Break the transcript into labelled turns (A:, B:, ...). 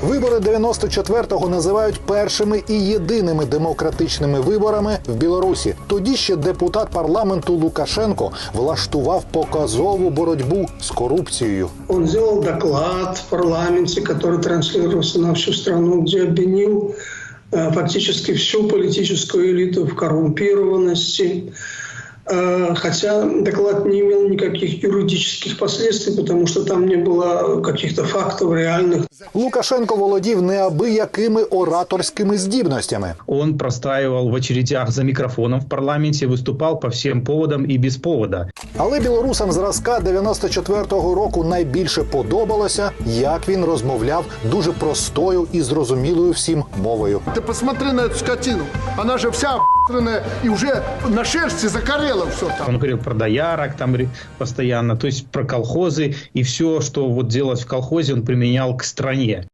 A: Вибори 94-го називають першими і єдиними демократичними виборами в Білорусі. Тоді ще депутат парламенту Лукашенко влаштував показову боротьбу з корупцією.
B: Он сделал доклад в парламенте, который транслировался на всю страну, где обвинил фактически всю политическую элиту в коррумпированности. Хотя доклад не имел никаких юридических последствий, потому что там не было каких-то фактов реальных.
A: Лукашенко володів неабиякими ораторськими здібностями.
C: Он простаивал в очередях за микрофоном в парламенте, выступал по всем поводам и без повода.
A: Але білорусам зразка 94-го року найбільше подобалося, як він розмовляв дуже простою і зрозумілою всім мовою.
D: Ты посмотри на эту скотину. Она же вся охуенная и уже на шерсти закорела все там.
C: Он говорил про доярок там постоянно, то есть про колхозы, и все, что вот делать в колхозе, он применял к стране.